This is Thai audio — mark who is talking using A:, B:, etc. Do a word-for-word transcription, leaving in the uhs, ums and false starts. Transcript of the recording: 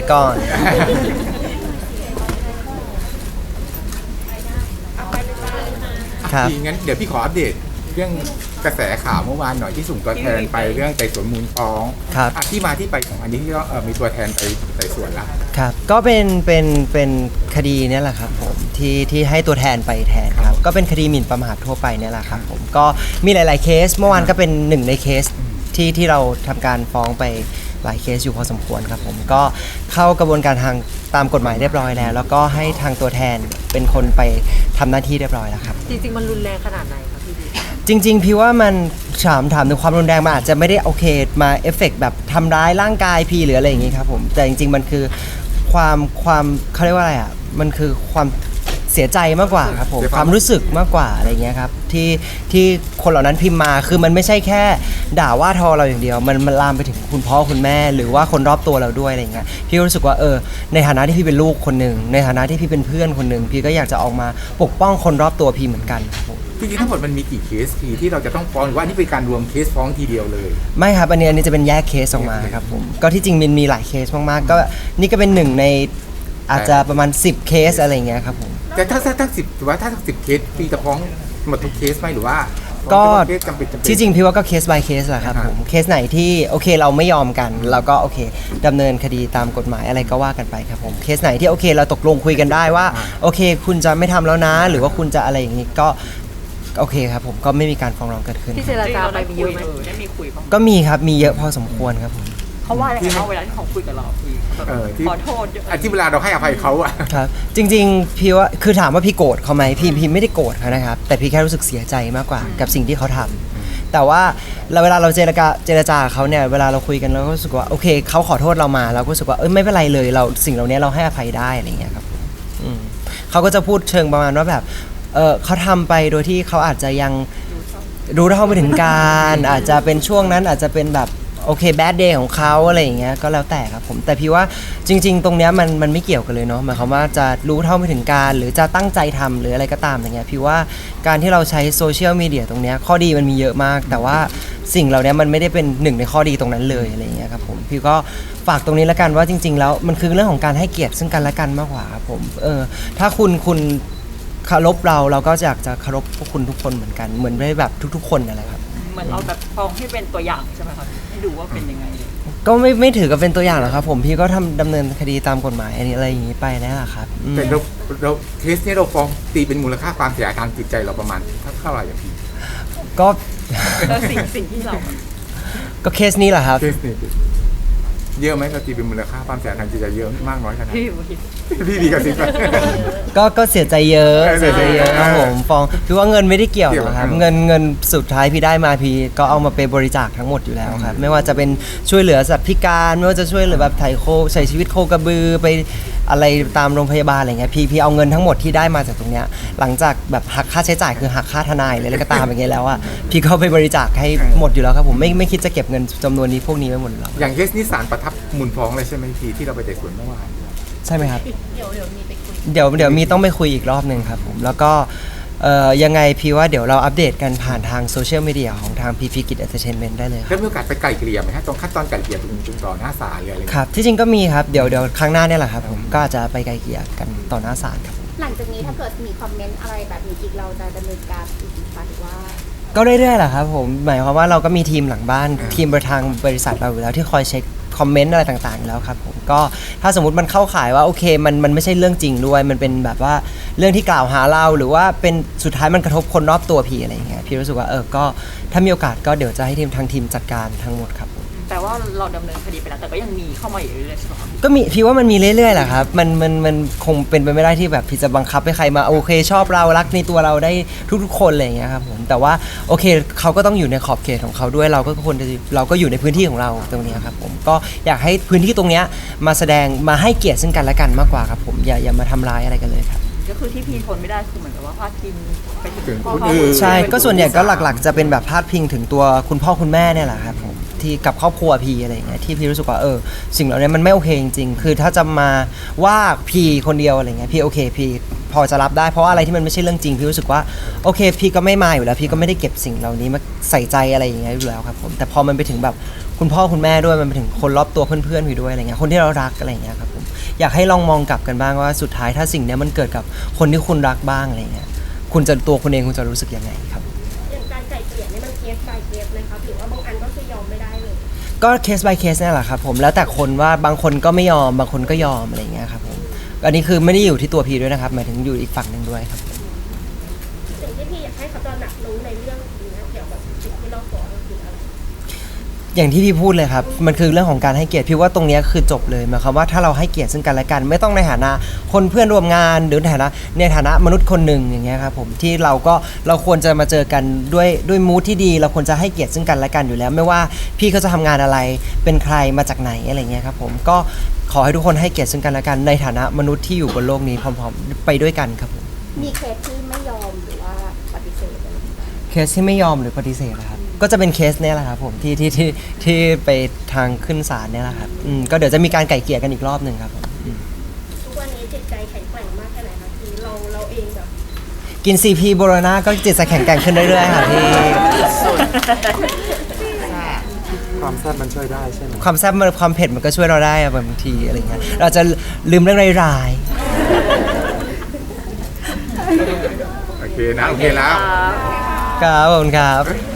A: ก่อนครับ
B: พี่งั้นเดี๋ยวพี่ขออัปเดตเรื่องกระแสข่าวเมื่อวานหน่อยที่ส่งตัวแทนไปเรื่องไต่สวนมูลฟ้อง
A: ครับ
B: อ่ะที่มาที่ไปของอันนี้ที่เราเอ่อมีตัวแทนไปไต่สวนละ
A: ครับก็เป็นเป็นเป็นคดีเนี่ยแหละครับผมที่ที่ให้ตัวแทนไปแทนครับก็เป็นคดีหมิ่นประมาททั่วไปเนี่ยแหละครับผมก็มีหลาย ๆเคสเมื่อวานก็เป็นหนึ่งในเคสที่ที่เราทำการฟ้องไปหลายเคสอยู่พอสมควรครับผมก็เข้ากระบวนการทางตามกฎหมายเรียบร้อยแล้ว แล้วก็ให้ทางตัวแทนเป็นคนไปทำหน้าที่เรียบร้อยแล้วครับ
C: จริงๆมันรุนแรงขนาดไหนครับพี่บี
A: จริงๆพี่ว่ามันถามถามถึงความรุนแรงมันอาจจะไม่ได้โอเคมาเอฟเฟกต์แบบทำร้ายร่างกายพี่หรืออะไรอย่างงี้ครับผมแต่จริงๆมันคือความความเขาเรียกว่าอะไรอ่ะมันคือความเสียใจมากกว่าครับผม
B: เสียความ
A: ความรู้สึกมากกว่าอะไรเงี้ยครับที่ที่คนเหล่านั้นพิมพ์มาคือมันไม่ใช่แค่ด่าว่าทอเราอย่างเดียว มันมันลามไปถึงคุณพ่อคุณแม่ หรือว่าคนรอบตัวเราด้วยอะไรเงี้ยพี่ก็รู้สึกว่าเออในฐานะที่พี่เป็นลูกคนหนึ่งในฐานะที่พี่เป็นเพื่อนคนหนึ่งพี่ก็อยากจะออกมาปกป้องคนรอบตัวพี่เหมือนกันครับผม
B: จริงๆทั้งหมดมันมีกี่เคสพี่ที่เราจะต้องฟ้องหรือว่านี่เป็นการรวมเคสฟ้องทีเดียวเลย
A: ไม่ครับอันนี้อันนี้จะเป็นแยกเคสออกมาครับผมก็ที่จริงมันมีหลายเคสมากๆก็นี่ก็เป็นหนึ่งในอาจจะประมาณสิบเคสอะไรอย่างเงี้ยครับผม
B: แต่ถ้าถ้าถ้าสิบถือว่าถ้าสิบเคสพี่จะฟ้องหมดทุกเคสไหมหรือว่า
A: ก็
B: ฟ้องเฉพาะเคสจำเป็นจำเป็น
A: ที่จริงพี่ว่าก็เคส by เคสแหละครับผมเคสไหนที่โอเคเราไม่ยอมกันเราก็โอเคดำเนินคดีตามกฎหมายอะไรก็ว่ากันไปครับผมเคสไหนที่โอเคเราตกลงคุยกันได้ว่าโอเคคุณจะไม่ทำแล้วนะ หรือว่าคุณจะอะไรอย่างงี้ก็โอเคครับผมก็ไม่มีการฟ้องร้องเกิดขึ้น
C: ที่เจรจาไปมีเยอะไหม
D: ได้มีคุยบ้าง
A: ก็มีครับมีเยอะพอสมควรครับผม
D: เขาว่าอะไรกันบ้างเวลาที่เขาคุยกับเราพี่แบบ
B: เออที่
D: ขอโทษเยอะ
B: อ่ะที่เวลาเราให้อภัยเขาอะ
A: ครับจริงๆพี่ว่าคือถามว่าพี่โกรธเขาไหมพี่พี่ไม่ได้โกรธเขานะครับแต่พี่แค่รู้สึกเสียใจมากกว่ากับสิ่งที่เขาทำแต่ว่าเราเวลาเราเจรจาเจรจากับเขาเนี่ยเวลาเราคุยกันเราก็รู้สึกว่าโอเคเขาขอโทษเรามาเราก็รู้สึกว่าเอ้ยไม่เป็นไรเลยเราสิ่งเหล่านี้เราให้อภัยได้อะไรอย่างเงี้ยครับอืมเขาก็จะพูดเชิงประมาณว่าแบบเออเขาทำไปโดยที่เขาอาจจะยังรู้เท่าไม่ถึงการอาจจะเป็นช่วงนั้นอาจจะเป็นแบบโอเคแบดเดย์ของเขาอะไรอย่างเงี้ยก็แล้วแต่ครับผมแต่พี่ว่าจริงๆตรงเนี้ยมันมันไม่เกี่ยวกันเลยเนาะหมายความว่าจะรู้เท่าไม่ถึงการหรือจะตั้งใจทำหรืออะไรก็ตามอย่างเงี้ยพี่ว่าการที่เราใช้โซเชียลมีเดียตรงเนี้ยข้อดีมันมีเยอะมาก แต่ว่าสิ่งเหล่านี้มันไม่ได้เป็นหนึ่งในข้อดีตรงนั้นเลยอะไรอย่างเงี้ยครับผมพี่ก็ฝากตรงนี้แล้วกันว่าจริง ๆ แล้วมันคือเรื่องของการให้เกียรติซึ่งกันและกันมากกว่าครับผมเออถ้าคุณคุณเคารพเราเราก็อยากจะเคารพพวกคุณทุกคนเหมือนกันเหมือนได้แบบทุก ๆ คนนั่นแหละครับ
D: เหมือนเราแบบฟ้องให้เป็นตัวอย่างใช่ไหมครับให้ดูว่าเป็นยังไง
A: ก็ไม่ไม่ถือกับเป็นตัวอย่างหรอกครับผมพี่ก็ทำดำเนินคดีตามกฎหมายอันนี้อะไรอย่างนี้ไปนั่นแหละครับอืม
B: แต่เราเราเคสนี้เราฟ้องตีเป็นมูลค่าความเสียหายทางจิตใจเราประมาณเท่าไหร่อย่างพี่
A: ก็
D: แล้วสิ่งสิ่งที่เราแบบ
A: ก็เคสนี้แหละครับ
B: เคสนี้เยอะไหมเราตีเป็นมูลค่าความเสียหายทางจิตใจเยอะมากน้อยขนาดไหน
D: พี่พี่
B: พี่ดีกับสิบ
A: ก็ก็เสียใจเยอะ
B: เออ
A: เสียใจเยอะครับผมฟ้องพี่ว่าเงินไม่ได้เกี่ยวหรอกครับ
B: เกี่ยว
A: เงินเงินสุดท้ายพี่ได้มาพี่ก็เอามาไปบริจาคทั้งหมดอยู่แล้วครับไม่ว่าจะเป็นช่วยเหลือสัตว์พิการไม่ว่าจะช่วยเหลือแบบไถ่โคใช้ชีวิตโคกระบือไปอะไรตามโรงพยาบาลอะไรเงี้ยพี่พี่เอาเงินทั้งหมดที่ได้มาจากตรงเนี้ยหลังจากแบบหักค่าใช้จ่ายคือหักค่าทนายเลยอะไรก็ตามอย่างเงี้ยแล้วอ่ะพี่ก็ไปบริจาคให้หมดอยู่แล้วครับผมไม่ไม่คิดจะเก็บเงินจำนวนนี้พวกนี้ไว้หมดหรอก
B: อย่างเคสนี้ศาลประทับมูลฟ้องเลยใช่ไหมพี่ที่เราไปไต่สวนเมื่อวาน
A: ใช่ไหมครับ เดี๋ยวเดี๋ยวมีไปคุยเดี๋ยวเดี๋ยวมีต้องไปคุยอีกรอบหนึ่งครับผมแล้วก็เอ่อยังไงพี่ว่าเดี๋ยวเราอัปเดตกันผ่านทางโซเชียลมีเดียของทางพีพีกิจเอนเตอร์เทนเมนต์ได้เลยค
B: แล้
A: รับ
B: วมีโอกาสไปไกลเกลี่ยไหมฮะตรงขั้นตอนไกลเกลี่ยตรงตรงต่อหน้าศาลหรืออะไร
A: ครับที่จริงก็มีครับเดี๋ยวเดี๋ยวครั้งหน้าเนี่ยแหละครับผมก็อาจจะไปไกลเกลี่ยกันต่อหน้าศาลครับ
E: หลังจากนี้ถ้าเกิดมีคอมเมนต์อะไรแบบนี้อีกเราจะดำเนินการอีกไหมหรือว่า
A: ก็เรื่อยๆแหละครับผมหมายความว่าเราก็มีทีมหลังบ้านทีมประทางบริษัทเราอยู่แล้วที่คอยเช็คคอมเมนต์อะไรต่างๆอยู่แล้วครับผมก็ถ้าสมมติมันเข้าข่ายว่าโอเคมันมันไม่ใช่เรื่องจริงด้วยมันเป็นแบบว่าเรื่องที่กล่าวหาเราหรือว่าเป็นสุดท้ายมันกระทบคนรอบตัวพี่อะไรอย่างเงี้ยพี่รู้สึกว่าเออก็ถ้ามีโอกาสก็เดี๋ยวจะให้ทีมทางทีมจัดการทั้งหมดครับ
D: แต่ว่าเราดำเนินคดีไปแล้วแต่ก็ยังมีเข้ามาอยู่เรื่อยๆใช่ไหมครับ
A: ก็มีพี่ว่ามันมีเรื่อยๆแหละครับมันมันมันคงเป็นไปไม่ได้ที่แบบพี่จะบังคับให้ใครมาโอเคชอบเรารักในตัวเราได้ทุกๆคนอะไรอย่างเงี้ยครับผมแต่ว่าโอเคเขาก็ต้องอยู่ในขอบเขตของเขาด้วยเราก็ควรจะเราก็อยู่ในพื้นที่ของเราตรงนี้ครับผมก็อยากให้พื้นที่ตรงเนี้ยมาแสดงมาให้เกียรติซึ่งกันและกันมากกว่าครับผมอย่าอย่ามาทำร้ายอะไรกันเลยครับ
D: ก็คือที่พี่ทนไม่ได้คือเหมือนกับว่าพาดพิงไปถึ
B: ถึง
D: งพ่อ
B: คน
D: เขา
B: อื่น
A: ใช่ก็ส่วนใหญ่ก็หลักๆ จะเป็นแบบพาดพิงถึงตัวคุณพ่อคุณแม่เนี่ยแหละครับผมที่กับครอบครัวพีอะไรอย่างเงี้ยที่พี่รู้สึกว่าเออสิ่งเหล่านี้มันไม่โอเคจริงๆคือถ้าจะมาว่าพีคนเดียวอะไรเงี้ยพี่โอเคพีพอจะรับได้เพราะว่าอะไรที่มันไม่ใช่เรื่องจริงพี่รู้สึกว่าโอเคพี่ก็ไม่มาอยู่แล้วพี่ก็ไม่ได้เก็บสิ่งเหล่านี้มาใส่ใจอะไรอย่างเงี้ยอยู่แล้วครับผมแต่พอมันไปถึงแบบคุณพ่อคุณแม่ด้วยมันไปถึงคนรอบตัวเพื่อนๆพี่ด้วยอะไรเงี้ยคนที่เรารักอะไรอย่างเงี้ยครับผมอยากให้ลองมองกลับกันบ้างว่าสุดท้ายถ้าสิ่งเนี้ยมันเกิดกับคนที่คุณรักบ้างอะไรเงี้ยคุณจะตัวคุณเองคุณจะรู้สึกยังไงครับ
E: อย่างการไก่เกลี่ยนี่มันเคส by เคสนะครับหรือว่าบางอันก็คือยอมไม่ได้เลย
A: ก็เคส by เคสนี่แหละครับผมแล้วแต่คนว่าบางคนก็ไม่ยอมบางคนก็ยอมอะไรเงี้ยครับผมอันนี้คือไม่ได้อยู่ที่ตัวพีด้วยนะครับหมายถึงอยู่อีกฝั่งหนึ่งด้วยครับ
E: สิ่งที่พี่อยากให้เขาตระหนักรู้ในเรื่องนี้เกี่ยวกับสิ่งที่เราสอนคืออะไร
A: อย่างที่พี่พูดเลยครับมันคือเรื่องของการให้เกียรติพี่ว่าตรงเนี้ยคือจบเลยหมายความว่าถ้าเราให้เกียรติซึ่งกันและกันไม่ต้องในฐานะคนเพื่อนร่วมงานหรือในฐานะในฐานะมนุษย์คนหนึ่งอย่างเงี้ยครับผมที่เราก็เราควรจะมาเจอกันด้วยด้วยมูทที่ดีเราควรจะให้เกียรติซึ่งกันและกันอยู่แล้ว ไม่ว่าพี่เขาจะทำงานอะไรเป็นใครมาจากไหนอะไรเงี้ยครับผมก็ขอให้ทุกคนให้เกียรติซึ่งกันและกันในฐานะมนุษย์ที่อยู่บนโลกนี้พร้อมๆไปด้วยกันครับผม
E: มีเคสที่ไม่ยอมหรือว่าปฏิเสธอะไรอย่างเงี้ย
A: เคสที่ไม่ยอมหรือปฏิเสธนะครับก็จะเป็นเคสเนี้ยแหละครับผมที่ที่ที่ที่ไปทางขึ้นศาลเนี่ยแหละครับอืมก็เดี๋ยวจะมีการไก่เกลี่ยกันอีกรอบหนึ่งครับผมอืม
E: ทุกวันนี้จิตใจแข็งแกร่งมากแค่ไหนคะคือเราเราเองแบบ
A: กิน ซี พี โบโลนาก็จิตจะแข็งแกร่งขึ้นเรื่อยๆค่ะพี่
F: ความแซ่บมันช่วยได้ใช่ไหม
A: ความแซ่บมันความเผ็ดมันก็ช่วยเราได้อะบางทีอะไรเงี้ยเราจะลืมเรื่องร้าย
B: โอเคนะโอเคแล้ว
A: ๆครับขอบคุณครับ